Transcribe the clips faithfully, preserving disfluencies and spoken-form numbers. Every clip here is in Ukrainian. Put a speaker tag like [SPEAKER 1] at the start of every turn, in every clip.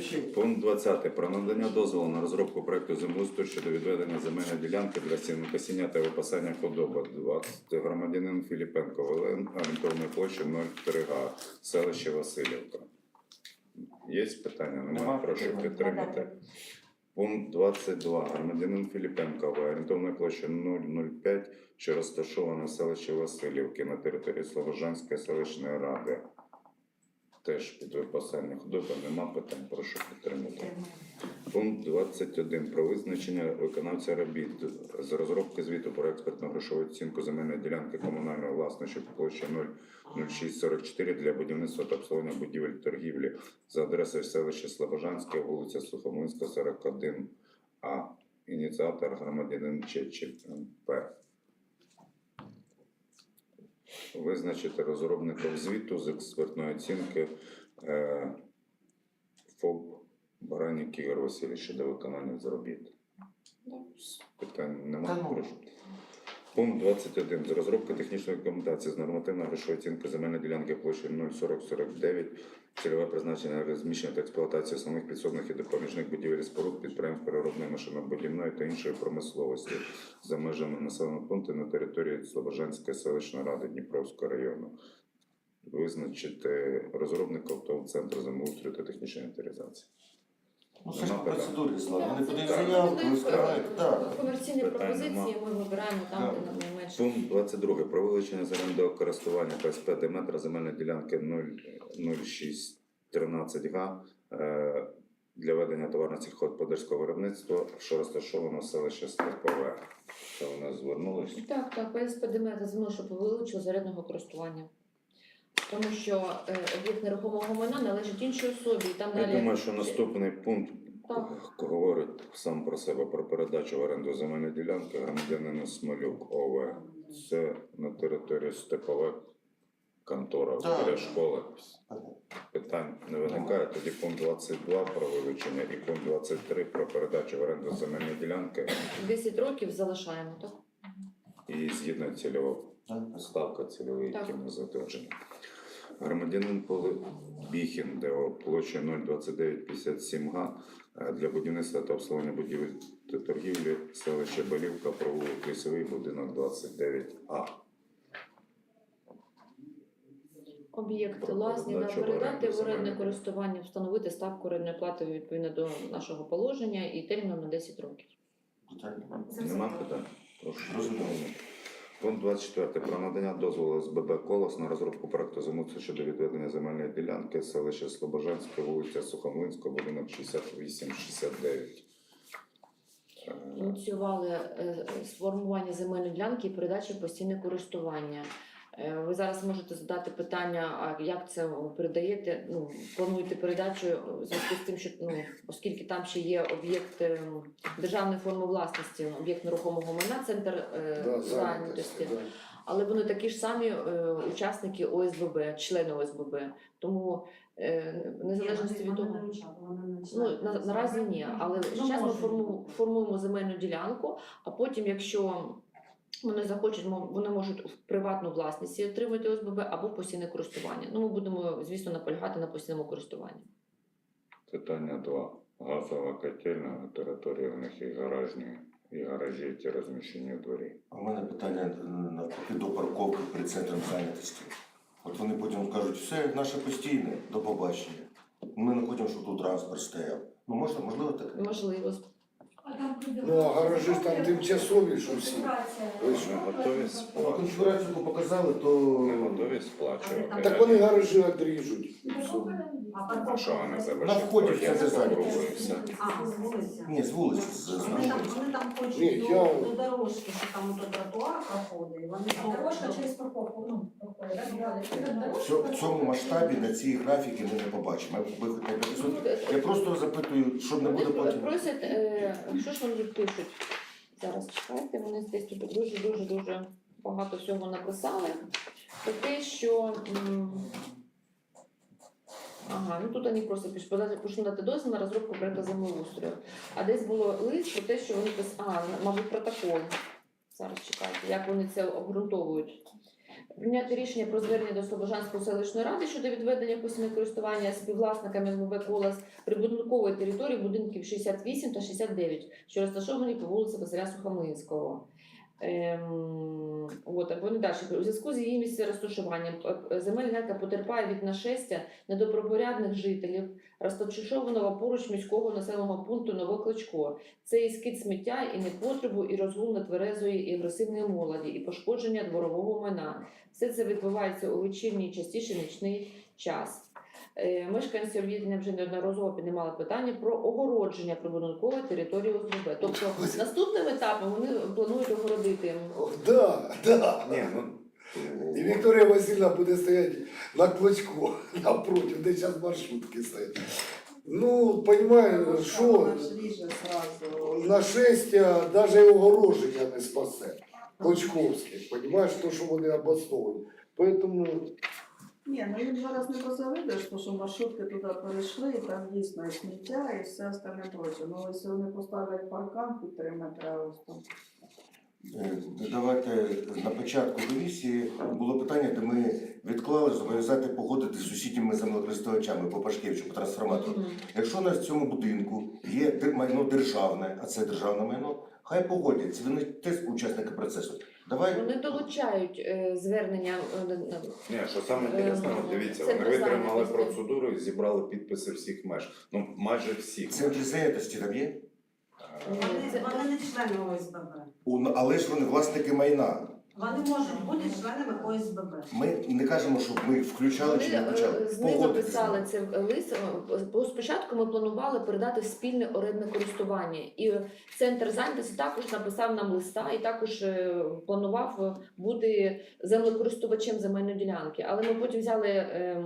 [SPEAKER 1] Включив.
[SPEAKER 2] Пункт двадцятий. Про надання дозволу на розробку проекту землеустрою щодо відведення земельної ділянки для сінокосіння та випасання худоби. двадцять. Громадянин Філіпенко Олен, орієнтовної площі нуль три га, селище Васильівка. Є питання? Немає.
[SPEAKER 1] Нема.
[SPEAKER 2] Прошу підтримати. Пункт двадцять два. Громадянин Філіпенко, орієнтовної площі нуль нуль п'ять, що розташоване в селищі Васильівки на території Слобожанської селищної ради. Теж під випасання худоби. Нема питань. Прошу підтримати. Пункт двадцять один. Про визначення виконавця робіт з розробки звіту про експертно-грошову оцінку земельної ділянки комунальної власності по площі нуль нуль шість сорок чотири для будівництва та обслуговування будівель торгівлі за адресою селища Слобожанське, вулиця Сухомлинська, сорок один А. Ініціатор громадянин Чечів М П. Визначити розробником звіту з експертної оцінки е, ФОП Баранік Ігор Васильович щодо виконання заробіт. Питань немає. Прошу. Пункт двадцять один. З розробки технічної документації з нормативно-грошової оцінки земельної ділянки площі нуль сорок сорок дев'ять, цільове призначення розміщення та експлуатації основних підсобних і допоміжних будівель і споруд, підприємств переробної машинобудівної та іншої промисловості за межами населеного пункту на території Слобожанської селищної ради Дніпровського району. Визначити розробників ТОВ «Центр землеустрою та технічної інвентаризації.
[SPEAKER 1] Ну, це ж по процедурі, Слава. Вони подають
[SPEAKER 2] Так.
[SPEAKER 1] заявку, ви скриваєте. Так.
[SPEAKER 3] Комерційні
[SPEAKER 2] Питань
[SPEAKER 3] пропозиції
[SPEAKER 2] нема.
[SPEAKER 3] ми вибираємо там,
[SPEAKER 1] Так.
[SPEAKER 3] де нам найменше.
[SPEAKER 2] Пункт двадцять два. Про вилучення з орендового користування КСП Деметра земельної ділянки нуль нуль шість тринадцять га е, для ведення товарно-сільськогосподарського виробництва, що розташовано в селищі Степове. Це у нас звернулися.
[SPEAKER 3] Так, так, ПСП Деметра землю, щоб вилучили з орендного користування. Тому що е, об'єкт нерухомого майна належить іншій особі. І там
[SPEAKER 2] Я
[SPEAKER 3] далі...
[SPEAKER 2] думаю, що наступний пункт
[SPEAKER 3] Так.
[SPEAKER 2] говорить сам про себе про передачу в оренду земельної ділянки громадянину Смолюк О В. Це на території Степове, контора
[SPEAKER 1] Так.
[SPEAKER 2] біля школи. Питань не виникає. Тоді пункт двадцять два про вилучення і пункт двадцять три про передачу в оренду земельної ділянки
[SPEAKER 3] десять років залишаємо, так?
[SPEAKER 2] і згідно цільового
[SPEAKER 1] Так.
[SPEAKER 2] ставка цільової,
[SPEAKER 3] Так.
[SPEAKER 2] які ми затверджені. Громадянин Біхін ДО площа нуль двадцять дев'ять п'ятдесят сім га для будівництва та обслуговування будівель та торгівлі селище Балівка, провулок Лісовий, будинок двадцять дев'ять А.
[SPEAKER 3] Об'єкт
[SPEAKER 2] Про
[SPEAKER 3] власні да,
[SPEAKER 2] передачу в
[SPEAKER 3] передати
[SPEAKER 2] оренду
[SPEAKER 3] в орендне
[SPEAKER 2] земельної.
[SPEAKER 3] користування, встановити ставку орендної плати відповідно до нашого положення і терміном на десять років.
[SPEAKER 1] Питання.
[SPEAKER 2] Нема питань? Прошу.
[SPEAKER 1] Розумію.
[SPEAKER 2] Пункт двадцять чотири. Про надання дозволу з Б Б «Колос» на розробку проекту землеустрою щодо відведення земельної ділянки селище Слобожанське, вулиця Сухомлинська, будинок шістдесят вісім шістдесят дев'ять. Е,
[SPEAKER 3] Ініціювали е, сформування земельної ділянки і передачі в постійне користування. Е, Ви зараз можете задати питання, а як це ви передаєте, ну, плануєте передачу в зв'язку з тим, що, ну, оскільки там ще є об'єкт е, державної форми власності, об'єкт нерухомого майна, центр е,
[SPEAKER 4] Да,
[SPEAKER 3] зайнятості.
[SPEAKER 4] да.
[SPEAKER 3] Але вони такі ж самі е, учасники О С Б Б, члени О С Б Б. Тому е, в незалежності від того, ну, на, наразі ні. Але зараз ми форму, формуємо земельну ділянку, а потім, якщо вони захочуть, мо- вони можуть в приватну власність її отримати О С Б Б або в постійне користування. Ну, ми будемо, звісно, наполягати на постійному користуванні.
[SPEAKER 2] Питання два. Газова котельня на території в них і гаражні, і гаражі, які розміщені у дворі.
[SPEAKER 1] У мене питання е, навпаки до парковки перед центром зайнятості. От вони потім кажуть, все, наше постійне, до побачення. Ми не хочемо, щоб тут транспорт стояв. Ну, можна, можливо, таке?
[SPEAKER 3] Можливо.
[SPEAKER 4] Ну, а гаражі ж там тимчасові, що всі. Ви
[SPEAKER 2] Ми
[SPEAKER 4] що?
[SPEAKER 2] готові
[SPEAKER 1] Ну,
[SPEAKER 2] сплачувати?
[SPEAKER 1] конфігурацію показали, то...
[SPEAKER 2] Ми готові сплачувати.
[SPEAKER 4] Так вони гаражі одріжуть. і все.
[SPEAKER 2] А що вони
[SPEAKER 1] На
[SPEAKER 2] залишать?
[SPEAKER 1] вході в центр
[SPEAKER 2] Потім
[SPEAKER 1] зайнятості.
[SPEAKER 2] і все.
[SPEAKER 5] А, з вулиці.
[SPEAKER 1] Ні, з вулиці, з з
[SPEAKER 5] Вони там,
[SPEAKER 1] вулиці.
[SPEAKER 5] вони там хочуть
[SPEAKER 4] Ні,
[SPEAKER 5] до,
[SPEAKER 4] я-
[SPEAKER 5] до дорожки, що там ото тротуар проходить. і Вони
[SPEAKER 6] Дорожка через парковку, ну, проходить, так?
[SPEAKER 1] В цьому- В цьому масштабі на цій графіки ми не побачимо. Ми хоч на п'ятисот. Я просто запитую, щоб не буде
[SPEAKER 3] Вони
[SPEAKER 1] потім.
[SPEAKER 3] просять, е, що ж вони пишуть? Зараз чекайте, вони десь тут дуже-дуже-дуже багато всього написали. Про те, що... м, Ага, ну тут вони просто пишуть, подати- прошу надати дозвіл на розробку проекту землеустрою. А десь було лист про те, що вони писали, а, мабуть, протокол. Зараз чекайте, як вони це обґрунтовують. Прийняти рішення про звернення до Слобожанської селищної ради щодо відведення постійного користування співвласниками СББ «Колос» прибудинкової території будинків шістдесят вісім та шістдесят дев'ять, що розташовані по вулиці Василя Сухомлинського. Ем, от, вони далі. У зв'язку з її місцем розташуванням е, земельна ділянка потерпає від нашестя недобропорядних жителів, розташованого поруч міського населеного пункту Новокличко. Це і скид сміття, і непотребу, і розгул нетверезої, і агресивної молоді, і пошкодження дворового майна. Все це відбувається у вечірній, частіше нічний час. Е, Мешканці об'єднання вже неодноразово піднімали питання про огородження прибудинкової території ОСББ. Тобто наступним етапом вони планують огородити.
[SPEAKER 4] О, да, да.
[SPEAKER 2] Ні, ну,
[SPEAKER 4] І Вікторія Васильівна буде стояти на клочку напротив, де зараз маршрутки стоять. Ну, розумієш, що нашестя навіть огороження не спасе. Клочковських, розумієш, то, що вони обосновують. Поэтому
[SPEAKER 7] Ні, ну їм зараз не позавидиш, тому що маршрутки туди перейшли, і там дійсно і сміття, і все остальне проче. Ну, якщо вони поставлять паркан під три метри, ось там.
[SPEAKER 1] Е, Давайте на початку комісії було питання, де ми відклали зобов'язати погодити з сусідніми землекористувачами по Пашкевичу, по трансформатору.
[SPEAKER 3] Мгм.
[SPEAKER 1] Якщо у нас в цьому будинку є дер- майно державне, а це державне майно, хай погодяться, вони теж учасники процесу. Давай
[SPEAKER 3] Вони долучають е, звернення. е, на-
[SPEAKER 2] ні, що саме інтересно,
[SPEAKER 3] Ем,
[SPEAKER 2] дивіться,
[SPEAKER 3] це
[SPEAKER 2] вони
[SPEAKER 3] не
[SPEAKER 2] витримали
[SPEAKER 3] зайнятості.
[SPEAKER 2] процедуру і зібрали підписи всіх меж. Ну, майже всіх.
[SPEAKER 1] центр зайнятості там є,
[SPEAKER 3] Ні,
[SPEAKER 5] Вони,
[SPEAKER 3] це-
[SPEAKER 5] вони не члени ОСББ.
[SPEAKER 1] У- але ж вони власники майна.
[SPEAKER 5] Вони можуть бути членами ОСББ.
[SPEAKER 1] Ми не кажемо, щоб ми їх включали
[SPEAKER 3] Вони
[SPEAKER 1] чи не
[SPEAKER 3] е,
[SPEAKER 1] включали.
[SPEAKER 3] знизу
[SPEAKER 1] Погодитися.
[SPEAKER 3] писали це в лист. е, бо Спочатку ми планували передати в спільне орендне користування. І центр зайнятості також написав нам листа і також е, планував е, бути землекористувачем земельної ділянки. Але ми потім взяли е,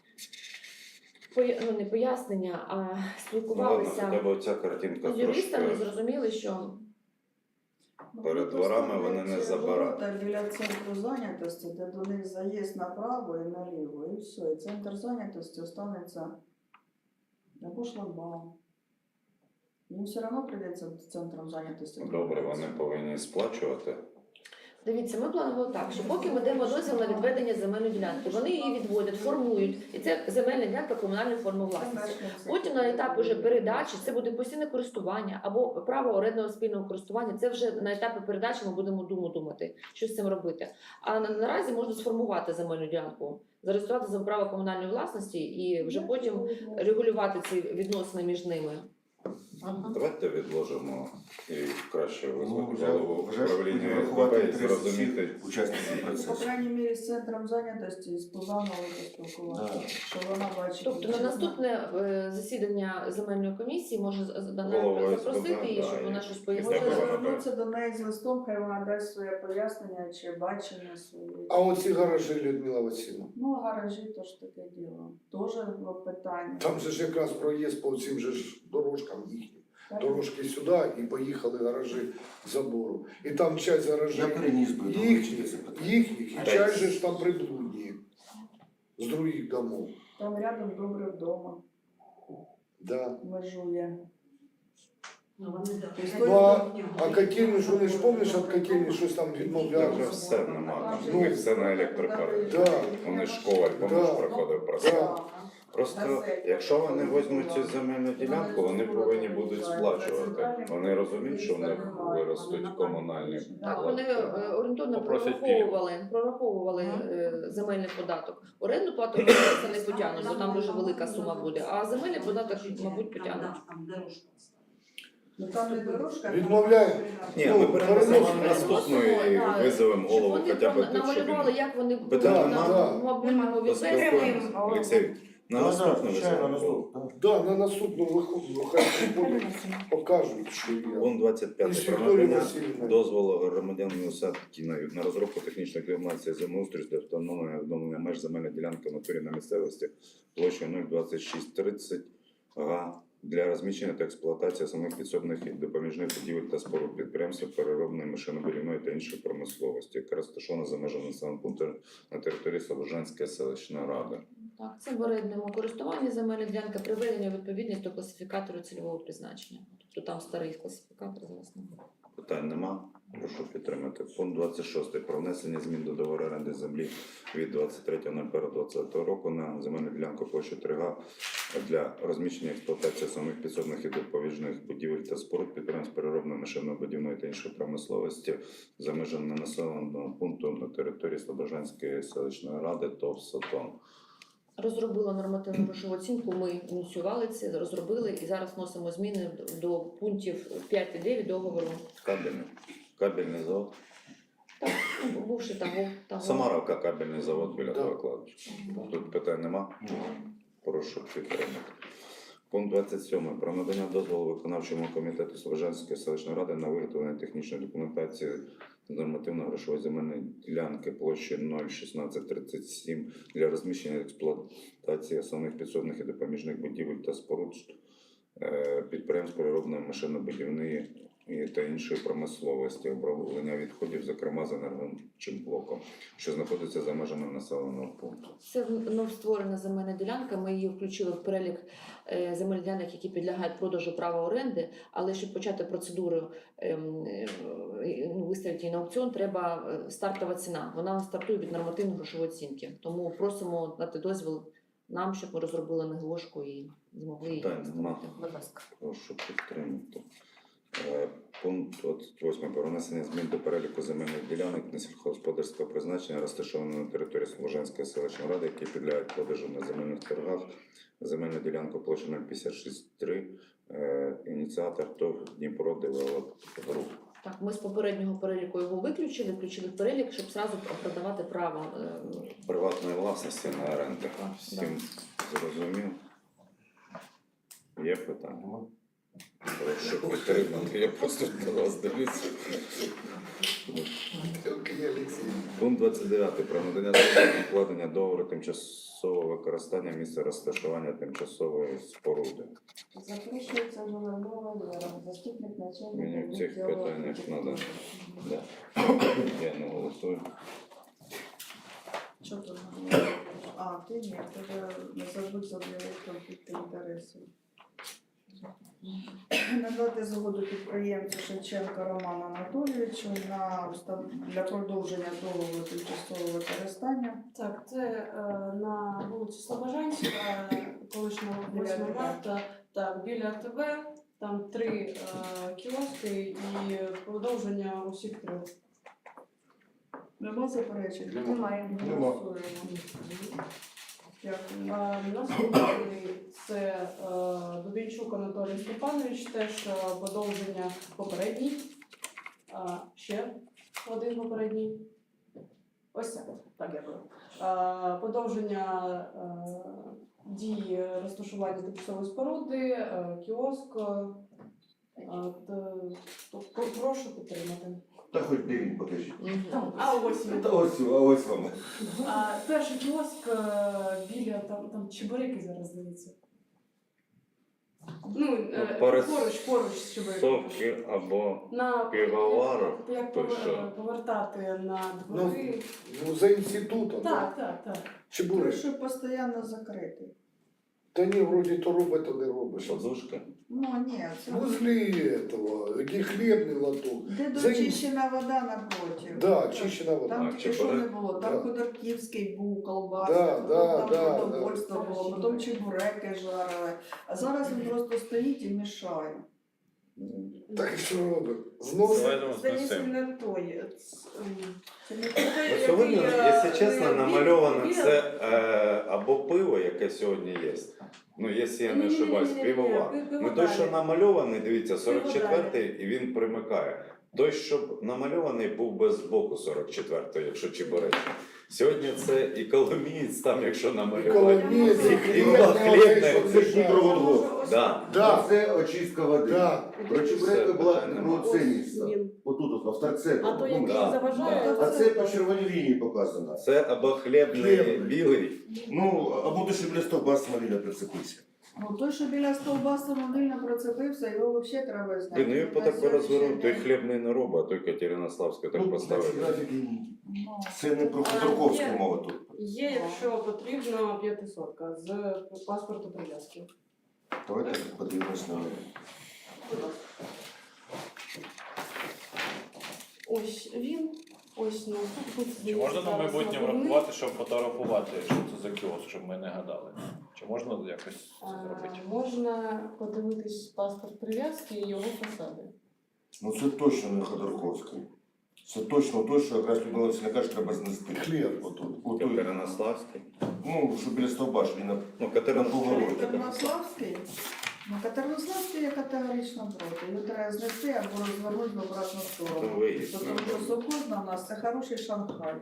[SPEAKER 3] поя- ну, не пояснення, а
[SPEAKER 2] Ну, ладно,
[SPEAKER 3] спілкувалися
[SPEAKER 2] хоча б оця картинка
[SPEAKER 3] з юристами і
[SPEAKER 2] трошки.
[SPEAKER 3] зрозуміли, що
[SPEAKER 7] Ну,
[SPEAKER 2] Перед
[SPEAKER 7] вони
[SPEAKER 2] дворами
[SPEAKER 7] поставлять
[SPEAKER 2] вони не
[SPEAKER 7] ці
[SPEAKER 2] забирають.
[SPEAKER 7] ворота біля центру зайнятості, де до них заїзд направо і наліво, і все. І центр зайнятості останеться або шлагбаум. Їм все одно прийдеться центром зайнятості.
[SPEAKER 2] Добре, вони повинні сплачувати.
[SPEAKER 3] дивіться, ми планували так, що поки ми даємо дозвіл на відведення земельної ділянки, вони її відводять, формують, і це земельна ділянка комунальної форми власності. Потім на етапі вже передачі це буде постійне користування або право орендного спільного користування. Це вже на етапі передачі ми будемо думу думати, що з цим робити. А на- наразі можна сформувати земельну ділянку, зареєструвати за право комунальної власності і вже потім регулювати ці відносини між ними.
[SPEAKER 2] Давайте відложимо і краще
[SPEAKER 1] Ну,
[SPEAKER 2] визвати
[SPEAKER 1] вже,
[SPEAKER 2] голову
[SPEAKER 1] вже ж будемо
[SPEAKER 2] управління
[SPEAKER 1] врахувати
[SPEAKER 2] СББ і
[SPEAKER 1] інтереси
[SPEAKER 2] зрозуміти.
[SPEAKER 1] всіх учасників
[SPEAKER 7] По
[SPEAKER 1] процесу.
[SPEAKER 7] крайній мірі з центром зайнятості і з Пузановою поспілкуватися,
[SPEAKER 1] Да.
[SPEAKER 7] що вона бачить.
[SPEAKER 3] Тобто на наступне е, засідання земельної комісії може з- з- Дана
[SPEAKER 2] Голова
[SPEAKER 3] запросити
[SPEAKER 2] СББ,
[SPEAKER 3] її,
[SPEAKER 2] да,
[SPEAKER 3] щоб
[SPEAKER 2] і-
[SPEAKER 3] вона щось
[SPEAKER 2] і
[SPEAKER 3] пояснила.
[SPEAKER 2] тебе
[SPEAKER 7] Може
[SPEAKER 2] вона
[SPEAKER 7] звернутися до неї з листом, хай вона дасть своє пояснення чи бачення своє.
[SPEAKER 4] а оці гаражі, Людмила Васильівна,
[SPEAKER 7] Ну, гаражі то ж таке діло. Тоже питання.
[SPEAKER 4] там же ж якраз проїзд по цим же ж дорожкам їхнім. Дорожки сюди і поїхали гаражі забору. І там часть
[SPEAKER 1] Я
[SPEAKER 4] гаражів
[SPEAKER 1] переніс би до
[SPEAKER 4] їхніх,
[SPEAKER 1] це питання.
[SPEAKER 4] їхніх, і часть же ж там приблудні з других домов.
[SPEAKER 7] Там рядом добре вдома
[SPEAKER 4] Да.
[SPEAKER 7] межує.
[SPEAKER 5] Ну, вони
[SPEAKER 7] Ну,
[SPEAKER 4] а- А котельні ж вони ж помниш, від котельні щось там
[SPEAKER 2] Там вже
[SPEAKER 4] відмовляли.
[SPEAKER 2] все нема, там
[SPEAKER 4] Ну,
[SPEAKER 2] у них все на електропарі.
[SPEAKER 4] Да.
[SPEAKER 2] Вони ж коваль, помниш,
[SPEAKER 4] Да.
[SPEAKER 2] проходив про
[SPEAKER 4] Да.
[SPEAKER 2] це. Просто, якщо вони візьмуть цю земельну ділянку, вони повинні будуть сплачувати. Вони розуміють, що в них виростуть комунальні
[SPEAKER 3] Так, вони
[SPEAKER 2] платежі.
[SPEAKER 3] е, орієнтовно
[SPEAKER 2] Попросять
[SPEAKER 3] прораховували, прораховували е, земельний податок. Орендну плату вони це не потягнуть, бо там дуже велика сума буде. А земельний податок, мабуть, потягнуть.
[SPEAKER 5] Там дорожка.
[SPEAKER 7] Ну там не дорожка. там
[SPEAKER 4] Відмовляє.
[SPEAKER 2] Ні,
[SPEAKER 4] Ну,
[SPEAKER 2] ми перенесемо
[SPEAKER 4] переносимо.
[SPEAKER 2] наступну і
[SPEAKER 3] Да.
[SPEAKER 2] визовемо
[SPEAKER 3] Щоб
[SPEAKER 2] голову
[SPEAKER 3] вони
[SPEAKER 2] хоча б тут, щоб
[SPEAKER 3] намалювали,
[SPEAKER 2] він
[SPEAKER 3] як вони
[SPEAKER 2] Питань
[SPEAKER 3] на
[SPEAKER 4] нема.
[SPEAKER 3] мобільному відвести.
[SPEAKER 2] поспілкуємося. Олексій, на
[SPEAKER 1] Да, да,
[SPEAKER 2] наступну
[SPEAKER 1] звичайно,
[SPEAKER 2] визовемо
[SPEAKER 1] на
[SPEAKER 2] голову.
[SPEAKER 1] наступ, да.
[SPEAKER 4] Да, на наступну виходу, хай приходять, покажуть, що є.
[SPEAKER 2] Пункт двадцять
[SPEAKER 4] І
[SPEAKER 2] п'ять.
[SPEAKER 4] з
[SPEAKER 2] Про
[SPEAKER 4] Вікторією
[SPEAKER 2] надання
[SPEAKER 4] Васильівною.
[SPEAKER 2] дозволу громадянину Садкіна на розробку технічної клімації землеустрою для встановлення відновлення меж земельної ділянки в натурі на місцевості площею нуль двадцять шість тридцять га для розміщення та експлуатації самих підсобних і допоміжних будівель та споруд підприємств переробної машинобудівної та іншої промисловості, яка розташована за межами населеного пункту на території Слобожанської селищної ради.
[SPEAKER 3] Так, це в орендному користуванні земельна ділянка, приведення у відповідність до класифікатору цільового призначення. Тобто там старий класифікатор зараз немає.
[SPEAKER 2] Питань нема. Прошу підтримати. Пункт двадцять шість. Про внесення змін до договору оренди землі від двадцять третього лютого двадцятого року на земельну ділянку площі три га для розміщення і експлуатації самих підсобних і допоміжних будівель та споруд підприємств переробної машинно-будівної та іншої промисловості за межами населеного пункту на території Слобожанської селищної ради ТОВ «Сатон».
[SPEAKER 3] Розробила нормативну грошову оцінку, ми ініціювали це, розробили і зараз вносимо зміни до пунктів п'ять і дев'ять договору.
[SPEAKER 2] Кабельний. Кабельний завод.
[SPEAKER 3] Так, ну, бувши того, того.
[SPEAKER 2] Самаровка кабельний завод біля
[SPEAKER 4] Да.
[SPEAKER 2] того кладбища. Тут питань нема.
[SPEAKER 1] Ні.
[SPEAKER 2] Прошу підтримати. Пункт двадцять сім. Про надання дозволу виконавчому комітету Слобожанської селищної ради на виготовлення технічної документації з нормативно-грошової земельної ділянки площі нуль шістнадцять тридцять сім для розміщення і експлуатації основних підсобних і допоміжних будівель та споруд е, підприємств переробної машинно-будівної і та іншої промисловості, оброблення відходів, зокрема з енергетичним блоком, що знаходиться за межами населеного пункту.
[SPEAKER 3] Це новостворена земельна ділянка. Ми її включили в перелік е, земельних ділянок, які підлягають продажу права оренди. Але щоб почати процедуру ем, е, ну, виставити її на аукціон, треба е, стартова ціна. Вона стартує від нормативної грошової оцінки. Тому просимо дати дозвіл нам, щоб ми розробили НГОшку і змогли її
[SPEAKER 2] Питань нема.
[SPEAKER 3] виставити. Будь ласка.
[SPEAKER 2] Прошу підтримати. Е, Пункт двадцять восьмий. Про внесення змін до переліку земельних ділянок несільськогосподарського призначення, розташованих на території Слобожанської селищної ради, які підлягають продажу на земельних торгах. Земельну ділянку площі нуль п'ятдесят шість три. Е, Ініціатор ТОВ Дніпро Девелоп Груп.
[SPEAKER 3] Так, ми з попереднього переліку його виключили, включили в перелік, щоб зразу продавати право. е,
[SPEAKER 2] Приватної власності на оренду.
[SPEAKER 3] Так,
[SPEAKER 2] Всім зрозумів. Є питання?
[SPEAKER 1] Нема.
[SPEAKER 2] Прошу підтримати. Я просто до вас дивлюся.
[SPEAKER 4] Евгений Алексеевич.
[SPEAKER 2] Пункт двадцять дев'ять. Про надання дозволу на укладення договору тимчасового використання місця розташування тимчасової споруди.
[SPEAKER 7] Запрошується Журавлова Вера, заступник начальника.
[SPEAKER 2] Мені в цих
[SPEAKER 7] відділу
[SPEAKER 2] питаннях
[SPEAKER 7] архітектури.
[SPEAKER 2] надо. Да. Я не голосую.
[SPEAKER 7] Що тут? А, ти ні, тебе не забудь заявити конфлікти інтересів. Надати згоду підприємцю Шевченка Роману Анатолійовичу на устав- для продовження договору тимчасового використання.
[SPEAKER 5] Так, це е, на вулиці Слобожанська, колишнього восьмого марта, так, біля АТБ, там три е, кіоски і продовження усіх трьох.
[SPEAKER 7] Нема заперечень?
[SPEAKER 6] Немає.
[SPEAKER 1] Нема.
[SPEAKER 7] Голосуємо. Дякую.
[SPEAKER 5] Е, Наступний це е, Дубінчук Анатолій Степанович, теж е, продовження попередній. Е, Ще один попередній. Ось це. Так, дякую. Е, Продовження е, дії розташування тимчасової споруди, е, кіоск. Е, т- т- Прошу підтримати.
[SPEAKER 1] Та хоч дев'ять покажіть.
[SPEAKER 3] Мгм.
[SPEAKER 5] А ось він.
[SPEAKER 1] Та ось, а ось вам.
[SPEAKER 5] А, перший кіоск е, біля там, там чебуреки зараз здається. Ну, е,
[SPEAKER 2] Ну, перед
[SPEAKER 5] поруч, поруч з чебуреками.
[SPEAKER 2] Совки або
[SPEAKER 5] На
[SPEAKER 2] пивовару,
[SPEAKER 5] як
[SPEAKER 2] то
[SPEAKER 5] повер-
[SPEAKER 2] що?
[SPEAKER 5] повертати на
[SPEAKER 4] Ну,
[SPEAKER 5] двори.
[SPEAKER 4] ну за інститутом.
[SPEAKER 5] Так, так, так.
[SPEAKER 4] Чебурек.
[SPEAKER 7] Той, що постійно закритий.
[SPEAKER 4] Та ні, вроді то робить, то не робить.
[SPEAKER 2] подушки.
[SPEAKER 7] Ну, ні, це...
[SPEAKER 4] Возле этого, який хлібний лоток.
[SPEAKER 7] Де
[SPEAKER 4] За-
[SPEAKER 7] дочищена вода напротив.
[SPEAKER 4] Да, чищена вода.
[SPEAKER 7] Там
[SPEAKER 2] А,
[SPEAKER 7] тільки що не
[SPEAKER 2] чебурек?
[SPEAKER 7] було, там
[SPEAKER 4] Да.
[SPEAKER 7] Ходорківський був, колбаси,
[SPEAKER 4] Да,
[SPEAKER 7] потім
[SPEAKER 4] да,
[SPEAKER 7] там
[SPEAKER 4] да,
[SPEAKER 7] продовольство
[SPEAKER 5] да.
[SPEAKER 7] було, потім чебуреки жарили. А зараз він просто стоїть і мішає.
[SPEAKER 4] Так що робить? Зносить.
[SPEAKER 5] Здається, не той. Ц- ем, Це не той,
[SPEAKER 2] Ну,
[SPEAKER 5] який,
[SPEAKER 2] сьогодні,
[SPEAKER 5] е,
[SPEAKER 2] якщо чесно,
[SPEAKER 5] біля-
[SPEAKER 2] намальовано
[SPEAKER 5] біля-
[SPEAKER 2] це е, або пиво, яке сьогодні є. Ну, якщо я не
[SPEAKER 5] Ні-ні-ні-ні-ні,
[SPEAKER 2] ошибаюсь, пивовар.
[SPEAKER 5] пи-
[SPEAKER 2] Ну
[SPEAKER 5] пиводалі.
[SPEAKER 2] той, що намальований, дивіться, сорок четвертий,
[SPEAKER 5] Пиводалі.
[SPEAKER 2] і він примикає. Той, що намальований, був без боку сорок четвертого, якщо чебуречний. Сьогодні це і коломієць там, якщо намалювати.
[SPEAKER 4] Коломієць,
[SPEAKER 2] І
[SPEAKER 4] хлібний,
[SPEAKER 2] хлібний,
[SPEAKER 4] оцей,
[SPEAKER 1] Це
[SPEAKER 4] що
[SPEAKER 1] ж Дніпроводгоз.
[SPEAKER 2] Да.
[SPEAKER 4] Да.
[SPEAKER 1] Це очистка води.
[SPEAKER 4] Да.
[SPEAKER 1] Про чебуреки була про це
[SPEAKER 5] Ось
[SPEAKER 1] місце.
[SPEAKER 5] він.
[SPEAKER 1] Отут, от, в торце.
[SPEAKER 5] А то, який
[SPEAKER 2] да.
[SPEAKER 5] заважає,
[SPEAKER 1] А це по червоній лінії показано.
[SPEAKER 2] Це або хлібний
[SPEAKER 4] Хлібний.
[SPEAKER 2] білий.
[SPEAKER 1] Ну, або дуже біля стовба самовільно прицепився.
[SPEAKER 7] Ну, той, що біля стовба самовільно процепився, його взагалі треба зняти.
[SPEAKER 2] Блин, ну я по
[SPEAKER 7] На
[SPEAKER 2] так розвернув,
[SPEAKER 7] сьогоднішній
[SPEAKER 2] той
[SPEAKER 7] день-
[SPEAKER 2] хлібний не робить, а той Катеринославський так
[SPEAKER 1] Ну,
[SPEAKER 2] поставили.
[SPEAKER 1] ці графіки,
[SPEAKER 7] Ну,
[SPEAKER 1] це не про Ходорковську
[SPEAKER 5] Є.
[SPEAKER 1] мова тут.
[SPEAKER 5] Є, якщо потрібно, п'ятисотка з паспорту прив'язки.
[SPEAKER 1] Давайте подивимось на неї.
[SPEAKER 5] ось на
[SPEAKER 8] Чи можна на майбутнє врахувати, щоб фотографувати, що це за кіоск, щоб ми не гадали? Чи можна якось це зробити?
[SPEAKER 5] Можна подивитись паспорт прив'язки і його фасади.
[SPEAKER 1] Ну це точно не Ходорковський. Це точно той, що якраз Людмила Васильівна каже, треба знести.
[SPEAKER 4] Хліб отут.
[SPEAKER 1] Отут.
[SPEAKER 2] Катеринославський.
[SPEAKER 1] Ну, що біля стовба, що він на
[SPEAKER 2] Ну,
[SPEAKER 1] на
[SPEAKER 2] Катеринославський.
[SPEAKER 1] повороті.
[SPEAKER 7] Катеринославський? Ну, Катеринославський я категорично проти. Його треба знести або розвернути в обратну
[SPEAKER 2] Це
[SPEAKER 7] сторону.
[SPEAKER 2] виїзд.
[SPEAKER 7] Тому що Сокозна у нас це хороший Шанхай.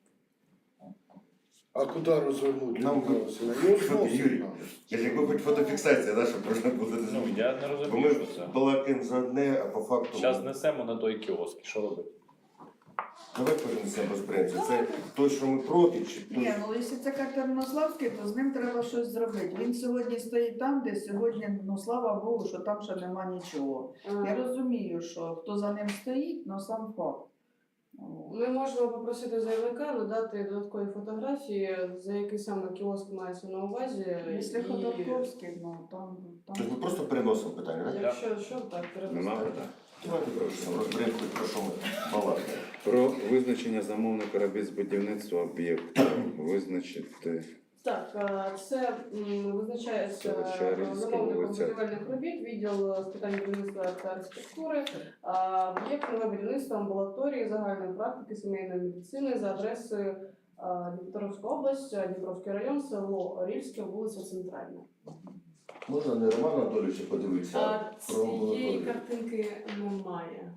[SPEAKER 4] А куди розвернути?
[SPEAKER 1] Нам
[SPEAKER 4] Людмила Васильівна? Його зносить
[SPEAKER 1] Юрій,
[SPEAKER 4] надо.
[SPEAKER 1] я ж якби хоч фотофіксація, да, щоб можна було
[SPEAKER 8] Ну,
[SPEAKER 1] зрозуміти.
[SPEAKER 8] я не
[SPEAKER 1] Бо
[SPEAKER 8] розумію,
[SPEAKER 1] ми
[SPEAKER 8] що це.
[SPEAKER 1] балакаємо за одне, а по факту...
[SPEAKER 8] Зараз несемо на той кіоск, і що робити?
[SPEAKER 1] Давай перенесемо без принципу. Це той, що ми проти, чи той,
[SPEAKER 7] Ні, ну якщо це Катеринославський, то з ним треба щось зробити. Він сьогодні стоїть там, де сьогодні, ну слава Богу, що там ще нема нічого. Я розумію, що хто за ним стоїть, але сам факт. О.
[SPEAKER 5] Ми можемо попросити заявника надати додаткові фотографії, за який саме кіоск мається на увазі.
[SPEAKER 7] Якщо
[SPEAKER 5] і
[SPEAKER 7] Ходорковський, ну там...
[SPEAKER 1] Тобто ми
[SPEAKER 7] там...
[SPEAKER 1] просто переносимо питання, так?
[SPEAKER 5] Якщо що, так, треба
[SPEAKER 2] Нема
[SPEAKER 5] ставити.
[SPEAKER 2] питань.
[SPEAKER 1] Давайте просто розберемо, хоч про що ми балакаємо.
[SPEAKER 2] Про визначення замовника робіт з будівництва об'єкта. Визначити
[SPEAKER 5] Так, е, це м, визначається
[SPEAKER 2] Селище Рильське,
[SPEAKER 5] замовником
[SPEAKER 2] вулиця.
[SPEAKER 5] будівельних робіт, відділ з питань будівництва та архітектури, а, об'єкт нове будівництво амбулаторії загальної практики сімейної медицини за адресою а, Дніпропетровська область, Дніпровський район, село Орільське, вулиця Центральна.
[SPEAKER 1] Можна не Романа Анатолійовича подивитися,
[SPEAKER 5] А
[SPEAKER 1] а про
[SPEAKER 5] цієї
[SPEAKER 1] амбулаторію.
[SPEAKER 5] картинки немає.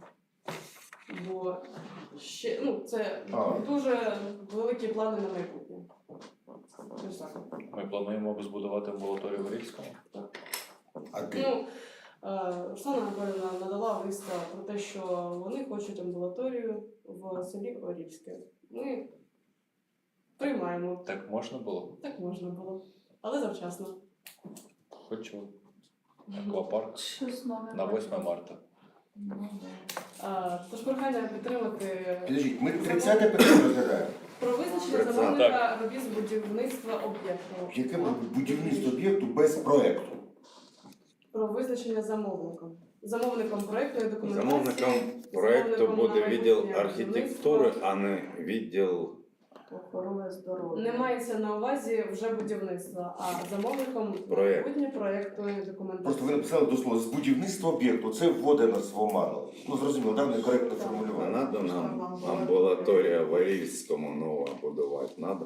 [SPEAKER 5] Бо ще, ну, це
[SPEAKER 1] А.
[SPEAKER 5] дуже великі плани на майбутнє. Ось так.
[SPEAKER 8] Ми плануємо збудувати амбулаторію в Рівському.
[SPEAKER 1] А ти?
[SPEAKER 5] Ну, е, Оксана Анатоліївна надала листа про те, що вони хочуть амбулаторію в селі Орільське. Ми приймаємо.
[SPEAKER 8] Так можна було?
[SPEAKER 5] Так можна було. Але завчасно.
[SPEAKER 8] Хочу. Аквапарк
[SPEAKER 7] Щось нове.
[SPEAKER 8] на восьме марта.
[SPEAKER 7] Ну, да.
[SPEAKER 5] А, Тож прохання підтримати
[SPEAKER 1] Підождіть, ми тридцяте питання розглядаємо.
[SPEAKER 5] про визначення
[SPEAKER 2] Тридцяте.
[SPEAKER 5] замовника робіт з будівництва об'єкту.
[SPEAKER 1] Яке буде будівництво об'єкту без проекту?
[SPEAKER 5] Про визначення замовником. Замовником проєктної документації.
[SPEAKER 2] замовником проекту
[SPEAKER 5] замовником
[SPEAKER 2] буде
[SPEAKER 5] на
[SPEAKER 2] відділ
[SPEAKER 5] майбутнє
[SPEAKER 2] архітектури,
[SPEAKER 5] будівництво.
[SPEAKER 2] а не відділ.
[SPEAKER 7] Охорони здоров'я.
[SPEAKER 5] Не мається на увазі вже будівництва, а замовником
[SPEAKER 2] Проєкт.
[SPEAKER 5] майбутнє проєктної
[SPEAKER 1] Просто ви
[SPEAKER 5] документації.
[SPEAKER 1] написали до слова з будівництва об'єкту. Це вводить нас в оману. Ну зрозуміло, да, некоректно
[SPEAKER 2] А
[SPEAKER 1] формулювання.
[SPEAKER 2] надо нам амбулаторія в Орільському нова будувати? Надо?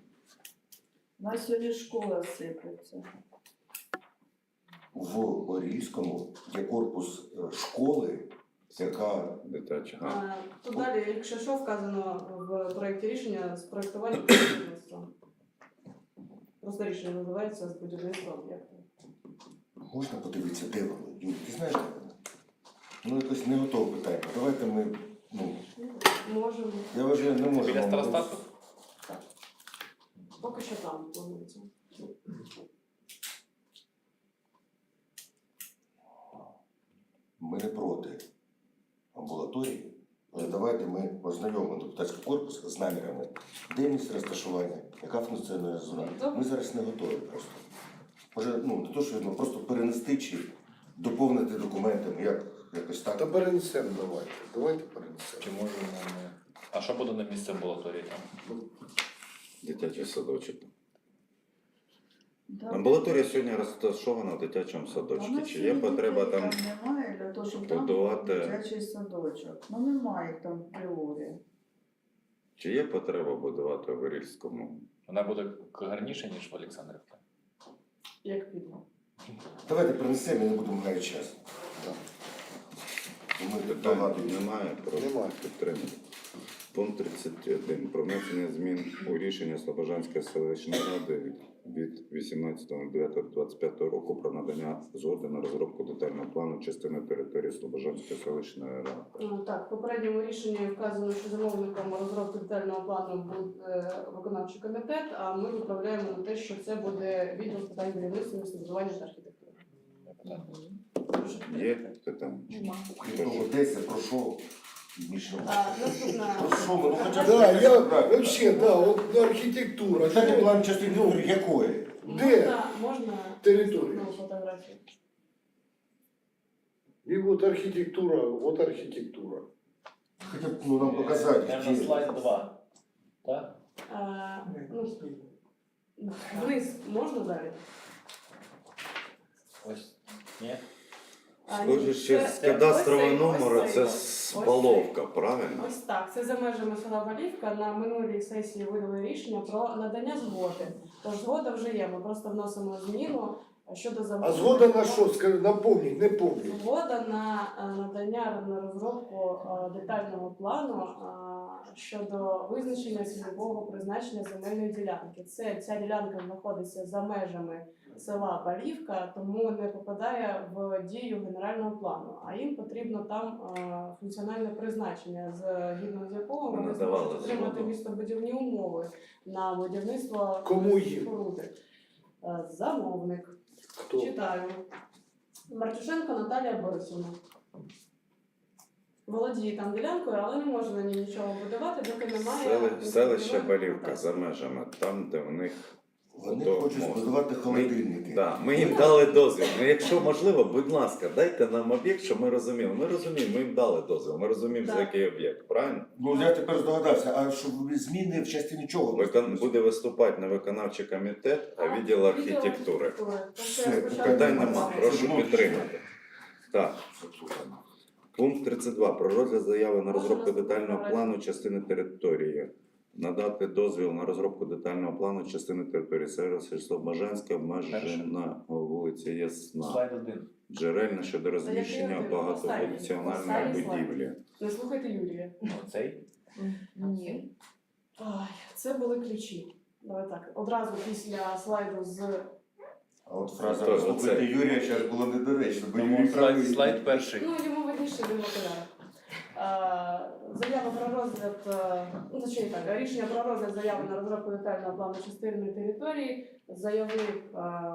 [SPEAKER 7] У нас сьогодні школа сипеться.
[SPEAKER 1] В Орільському є корпус е, школи, яка
[SPEAKER 2] Дитяча. А,
[SPEAKER 5] А, Тут далі, якщо що, вказано в проєкті рішення з проєктування будівництва. Просто рішення називається з будівництва об'єкту.
[SPEAKER 1] можна подивитися, де воно. Юрій, ти знаєш, де воно? Ну якось не готове питання. Давайте ми, ну,
[SPEAKER 5] Можемо.
[SPEAKER 1] я вважаю, не можемо.
[SPEAKER 8] Біля старостату?
[SPEAKER 5] Поки що там планується.
[SPEAKER 1] Ми не проти амбулаторії, але давайте ми ознайомимо депутатський корпус з намірами, де місце розташування, яка функціонує зона. Ми зараз не готові просто. Може, ну, не то, що ну, просто перенести чи доповнити документами, як, якось
[SPEAKER 4] Та
[SPEAKER 1] так.
[SPEAKER 4] перенесемо давайте. Давайте перенесемо.
[SPEAKER 8] Чи можемо ми... А що буде на місці амбулаторії там?
[SPEAKER 2] Дитячий садочок.
[SPEAKER 7] Да.
[SPEAKER 2] Амбулаторія сьогодні розташована в дитячому
[SPEAKER 7] А
[SPEAKER 2] садочку.
[SPEAKER 7] в нас
[SPEAKER 2] Чи є
[SPEAKER 7] сьогодні
[SPEAKER 2] потреба
[SPEAKER 7] дітей
[SPEAKER 2] там?
[SPEAKER 7] немає для того, щоб там
[SPEAKER 2] будувати?
[SPEAKER 7] був дитячий садочок. Ну немає їх там в теорії.
[SPEAKER 2] Чи є потреба будувати в Орільському?
[SPEAKER 8] Вона буде гарніше, ніж в Олександрівці?
[SPEAKER 5] Як піде.
[SPEAKER 1] Давайте перенесемо і не будемо гаяти час. Ми тут
[SPEAKER 2] Питань
[SPEAKER 1] багато.
[SPEAKER 2] немає, прошу
[SPEAKER 4] Немає.
[SPEAKER 2] підтримати. Пункт тридцять один. Про внесення змін у рішення Слобожанської селищної ради від вісімнадцятого дев'ятого двадцять п'ятого року про надання згоди на розробку детального плану частини території Слобожанської селищної ради.
[SPEAKER 5] Ну, Так, в попередньому рішенні вказано, що замовником розробки детального плану буде виконавчий комітет, а ми виправляємо на те, що це буде відділ з питань будівництва, містобудування та архітектури. Прошу
[SPEAKER 2] Є
[SPEAKER 5] підтримати.
[SPEAKER 2] питання?
[SPEAKER 5] Нема.
[SPEAKER 1] Крім того, де це, про що? Більше.
[SPEAKER 5] А, Наступна.
[SPEAKER 1] Про що ми? Ну, хоча б
[SPEAKER 4] Да, я
[SPEAKER 1] правильно.
[SPEAKER 4] вообще, да, от ну, архітектура.
[SPEAKER 1] Детальний
[SPEAKER 4] Що?
[SPEAKER 1] план частини ну, якої?
[SPEAKER 4] Де?
[SPEAKER 5] Можна, можна
[SPEAKER 4] Територія.
[SPEAKER 5] наступну фотографію.
[SPEAKER 4] І от архітектура, от архітектура.
[SPEAKER 1] Хоча б ну, нам показати,
[SPEAKER 8] Наверно,
[SPEAKER 1] де.
[SPEAKER 8] слайд два. Так?
[SPEAKER 5] Е, ну, вниз можна далі?
[SPEAKER 8] Ось. Ні?
[SPEAKER 5] А, ні,
[SPEAKER 2] Схоже, ще
[SPEAKER 5] це-
[SPEAKER 2] з
[SPEAKER 5] це-
[SPEAKER 2] кадастрового
[SPEAKER 5] ось цей,
[SPEAKER 2] номеру
[SPEAKER 5] ось
[SPEAKER 2] це
[SPEAKER 5] цей.
[SPEAKER 2] спаловка, правильно?
[SPEAKER 5] Ось так. Це за межами села Балівка. На минулій сесії видали рішення про надання згоди. Тож згода вже є. Ми просто вносимо зміну щодо
[SPEAKER 4] А
[SPEAKER 5] замовлення.
[SPEAKER 4] згода на що? Скажи, напомніть, не помню.
[SPEAKER 5] Згода на е, надання на розробку е, детального плану е, щодо визначення цільового призначення земельної ділянки. Це ця ділянка знаходиться за межами села Балівка, тому не попадає в дію генерального плану. А їм потрібно там е, функціональне призначення, згідно з якого
[SPEAKER 2] Ми
[SPEAKER 5] вони
[SPEAKER 2] надавали
[SPEAKER 5] зможуть отримати
[SPEAKER 2] згоду.
[SPEAKER 5] містобудівні умови на будівництво
[SPEAKER 4] Кому їм?
[SPEAKER 5] споруди. Е, Замовник.
[SPEAKER 4] Хто?
[SPEAKER 5] Читаю. Мартюшенко Наталія Борисівна. Володіє там ділянкою, але не може на ній нічого будувати, доки немає.
[SPEAKER 2] Сели- Селище
[SPEAKER 5] інвентаризованих
[SPEAKER 2] Балівка
[SPEAKER 5] документацій.
[SPEAKER 2] за межами, там, де в них
[SPEAKER 1] Вони
[SPEAKER 2] ото
[SPEAKER 1] хочуть
[SPEAKER 2] мост.
[SPEAKER 1] збудувати холодильники.
[SPEAKER 2] Да, ми їм дали дозвіл. Ну, якщо можливо, будь ласка, дайте нам об'єкт, щоб ми розуміли. Ми розуміємо, ми їм дали дозвіл, ми розуміємо, за
[SPEAKER 5] Так.
[SPEAKER 2] який об'єкт, правильно?
[SPEAKER 1] Ну я тепер здогадався, а що зміни в частині чого?
[SPEAKER 2] Викон... Буде виступати не виконавчий комітет, а відділ архітектури.
[SPEAKER 1] Все,
[SPEAKER 2] Питань нема, прошу
[SPEAKER 1] Ну,
[SPEAKER 2] підтримати. Так,
[SPEAKER 1] Слухаємо.
[SPEAKER 2] пункт тридцять два. Про розгляд заяви на
[SPEAKER 5] Можна
[SPEAKER 2] розробку
[SPEAKER 5] наступного
[SPEAKER 2] детального
[SPEAKER 5] разу?
[SPEAKER 2] плану частини території. Надати дозвіл на розробку детального плану частини території. Селище Слобожанське, обмежена вулиця Ясна.
[SPEAKER 8] Слайд один.
[SPEAKER 2] Джерельна щодо розміщення
[SPEAKER 5] який один?
[SPEAKER 2] багатофункціональної
[SPEAKER 5] Останній слайд.
[SPEAKER 2] будівлі.
[SPEAKER 5] Не слухайте Юрія.
[SPEAKER 8] Оцей?
[SPEAKER 3] Ні.
[SPEAKER 5] Ой, це були ключі. Давай так. Одразу після слайду з
[SPEAKER 1] А от фраза
[SPEAKER 2] Хто
[SPEAKER 1] «Послухайте
[SPEAKER 2] оце?
[SPEAKER 1] Юрія» зараз була недоречна, бо Юрій
[SPEAKER 8] Тому
[SPEAKER 1] правий.
[SPEAKER 8] слайд, слайд перший.
[SPEAKER 5] ну йому видніше він в окулярах. Е, Заява про розгляд, е, ну точніше так, рішення про розгляд заяви на розробку детального плану частини території заявив е,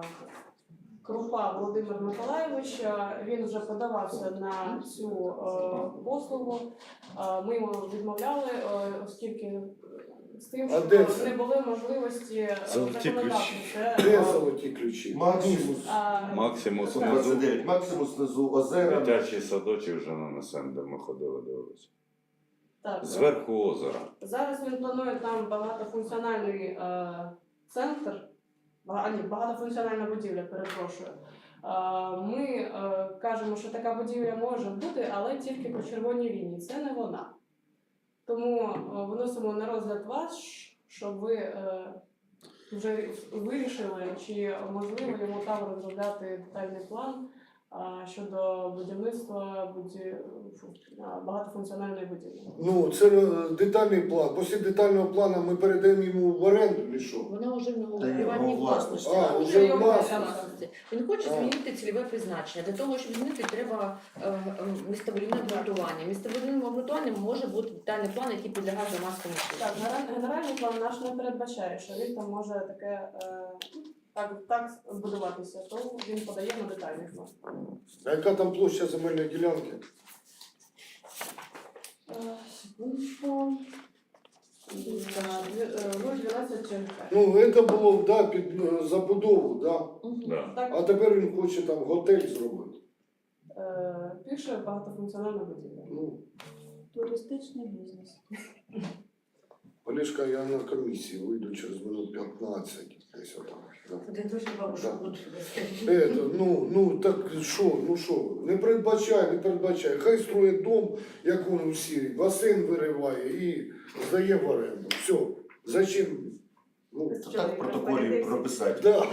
[SPEAKER 5] Крупа Володимир Миколайович. Е, Він вже подавався на цю е, послугу. Е, Ми йому відмовляли, е, оскільки з тим,
[SPEAKER 4] А де
[SPEAKER 5] що
[SPEAKER 4] це?
[SPEAKER 5] не було можливості е,
[SPEAKER 2] Золоті
[SPEAKER 5] законодавчо
[SPEAKER 2] ключі.
[SPEAKER 5] це,
[SPEAKER 4] Де
[SPEAKER 5] е,
[SPEAKER 4] золоті ключі?
[SPEAKER 1] Максимус.
[SPEAKER 5] а,
[SPEAKER 2] Максимус
[SPEAKER 5] Так.
[SPEAKER 2] внизу.
[SPEAKER 1] двадцять дев'ять. Максимус внизу озера.
[SPEAKER 2] Дитячий садочок вже нанесен, де ми ходили, дивилися.
[SPEAKER 5] так,
[SPEAKER 2] Зверху озера.
[SPEAKER 5] Зараз він планує там багатофункціональний е, центр, бага- а, ні, багатофункціональна будівля, перепрошую. Е, ми е, кажемо, що така будівля може бути, але тільки по червоній лінії. Це не вона. Тому е, виносимо на розгляд вас, щоб ви е, вже вирішили, чи можливо йому там розробляти детальний план а, щодо будівництва буді... фу, а, багатофункціональної будівлі.
[SPEAKER 4] Ну, це е, детальний план. Після детального плану ми передаємо йому в оренду чи що?
[SPEAKER 3] Вона вже в нього
[SPEAKER 1] Та є,
[SPEAKER 3] приватній
[SPEAKER 1] його власність.
[SPEAKER 3] власності.
[SPEAKER 4] А,
[SPEAKER 3] Вона
[SPEAKER 4] вже
[SPEAKER 3] вже його
[SPEAKER 4] власність.
[SPEAKER 3] власності. Він хоче
[SPEAKER 4] А.
[SPEAKER 3] змінити цільове призначення. Для того, щоб змінити, треба е, е, містобудівне обґрунтування. Містобудівним обґрунтуванням може бути детальний план, який підлягає громадському
[SPEAKER 5] Так,
[SPEAKER 3] суду.
[SPEAKER 5] генера- генеральний план наш не передбачає, що він там може таке е, так, так збудуватися, то він подає на детальний план.
[SPEAKER 4] А яка там площа земельної ділянки?
[SPEAKER 5] Е, Секундочку. нуль дванадцять через п'ять.
[SPEAKER 4] Ну, це було да, під е, забудову, да.
[SPEAKER 3] Мгм.
[SPEAKER 2] Да.
[SPEAKER 4] А
[SPEAKER 5] Так,
[SPEAKER 4] тепер він хоче там готель зробити.
[SPEAKER 5] е, пише багатофункціональна будівля.
[SPEAKER 4] Ну,
[SPEAKER 7] Туристичний бізнес.
[SPEAKER 4] Олешка, я на комісії вийду через минут п'ятнадцять. Десь отак. Да.
[SPEAKER 6] Ти дуже бабушку
[SPEAKER 4] Да.
[SPEAKER 6] лучше вести.
[SPEAKER 4] Это, ну, ну так що, ну що, не передбачає, не передбачає. Хай строїть дом, як він у Сірії, басейн вириває і здає в оренду. Все. Зачем? Ну,
[SPEAKER 1] Так в протоколі прописати.
[SPEAKER 4] Да.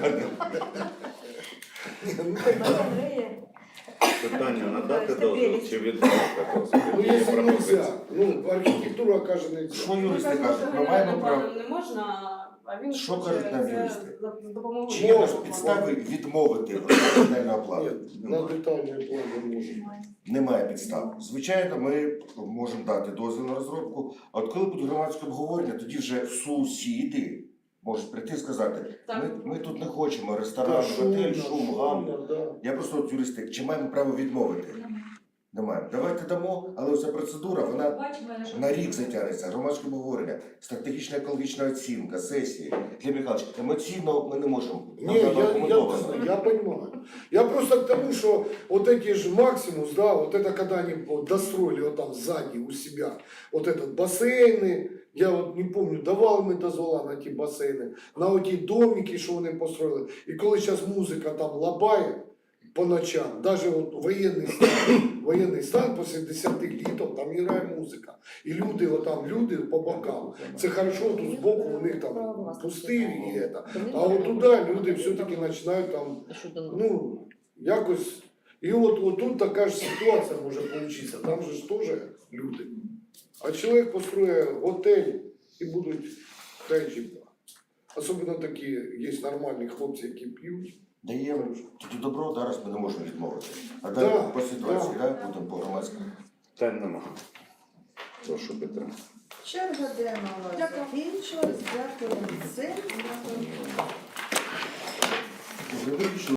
[SPEAKER 2] Питання надати дозвіл чи відмовити дозвіл?
[SPEAKER 4] Ну,
[SPEAKER 2] Є
[SPEAKER 4] якщо
[SPEAKER 2] пропозиція.
[SPEAKER 4] нельзя, ну, архітектура каже нельзя.
[SPEAKER 1] Що юристи
[SPEAKER 5] Ми кажемо,
[SPEAKER 1] кажуть?
[SPEAKER 5] що
[SPEAKER 1] Ми маємо
[SPEAKER 5] генеральним
[SPEAKER 1] право.
[SPEAKER 5] планом не можна, а він
[SPEAKER 1] Що
[SPEAKER 5] хоче
[SPEAKER 1] кажуть нам
[SPEAKER 5] це
[SPEAKER 1] юристи?
[SPEAKER 5] за допомогою.
[SPEAKER 1] Чи є
[SPEAKER 4] Можна.
[SPEAKER 1] підстави відмовити від детального плану?
[SPEAKER 4] Ні, на
[SPEAKER 1] Немає.
[SPEAKER 4] детальний план не може.
[SPEAKER 1] Немає підстав. Звичайно, ми можемо дати дозвіл на розробку, а от коли буде громадське обговорення, тоді вже сусіди можуть прийти і сказати,
[SPEAKER 5] Так.
[SPEAKER 1] ми, ми тут не хочемо
[SPEAKER 4] Та
[SPEAKER 1] ресторан,
[SPEAKER 4] шумно,
[SPEAKER 1] готель, шум, гам.
[SPEAKER 4] шумно, да.
[SPEAKER 1] Я просто от юристи, чи маємо право відмовити? Немає. Давайте дамо, але ця процедура, вона
[SPEAKER 6] Бачимо, але
[SPEAKER 1] на рік затягнеться. Громадське обговорення, стратегічна екологічна оцінка, сесії. Для Михайлович, емоційно ми не можемо. Нам
[SPEAKER 4] Не,
[SPEAKER 1] треба
[SPEAKER 4] я, я,
[SPEAKER 1] аргументовано.
[SPEAKER 4] я понимаю. Я просто к тому, что вот эти же Максимус, да, вот это когда они вот достроили вот там сзади у себя, вот этот бассейны, я вот не помню, давали ми дозвола на ті басейни, на оті домики, що вони построили. І коли зараз музика там лабає по ночам, навіть от воєнний стан, воєнний стан після десяти літом, там грає музика. І люди, отам люди по бокам. Це хорошо, тут збоку у них там пустирі і це. А от туди люди все-таки починають там, ну, якось. І от, от тут така ж ситуація може получитися. Там же ж теж люди. А чоловік построює готель і будуть хай. Особливо такі є нормальні хлопці, які п'ють.
[SPEAKER 1] Даємо тоді добро, зараз ми не можемо відмовити. А далі
[SPEAKER 4] Да,
[SPEAKER 1] по ситуації,
[SPEAKER 4] да.
[SPEAKER 1] да, будемо по громадському.
[SPEAKER 2] Питань нема. Прошу підтримати.
[SPEAKER 7] Черга денного закінчилась. Дякую всім.
[SPEAKER 1] Вже вирішили.